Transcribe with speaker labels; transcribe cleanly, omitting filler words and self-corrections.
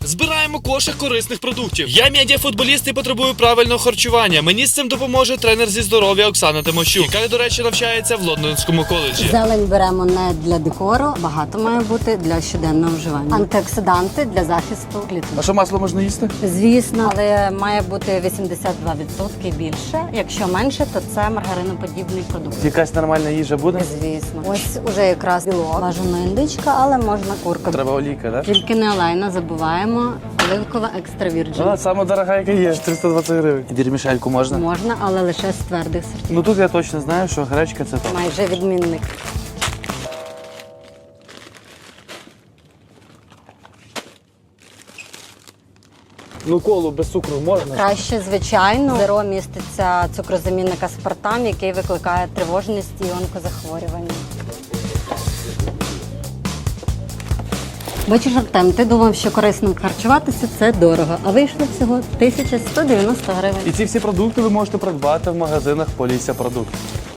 Speaker 1: Збираємо кошик корисних продуктів. Я медіафутболіст і потребую правильного харчування. Мені з цим допоможе тренер зі здоров'я Оксана Тимощук, яка, до речі, навчається в Лондонському коледжі.
Speaker 2: Зелень беремо не для декору, багато має бути для щоденного вживання. Антиоксиданти для захисту клітин.
Speaker 3: А що, масло можна їсти?
Speaker 2: Звісно, але має бути 82% більше. Якщо менше, то це маргариноподібний продукт.
Speaker 3: Якась нормальна їжа буде?
Speaker 2: Звісно. Ось уже якраз білок. Бажано індичка, але можна курка.
Speaker 3: Треба олійка, так?
Speaker 2: Тільки не олейна, забуваємо. Оливкова екстра вірджин.
Speaker 3: Вона сама дорога, яка є, 320 гривень. Вірмішельку можна?
Speaker 2: Можна, але лише з твердих сортів.
Speaker 3: Ну тут я точно знаю, що гречка це то.
Speaker 2: Майже відмінник.
Speaker 3: Ну колу без цукру можна?
Speaker 2: Краще, звичайно. В зеро міститься цукрозамінник аспартам, який викликає тривожність і онкозахворювання. Бачиш, Артем, ти думав, що корисно харчуватися – це дорого, а вийшло всього 1190 гривень.
Speaker 3: І ці всі продукти ви можете придбати в магазинах Полісся Продукт.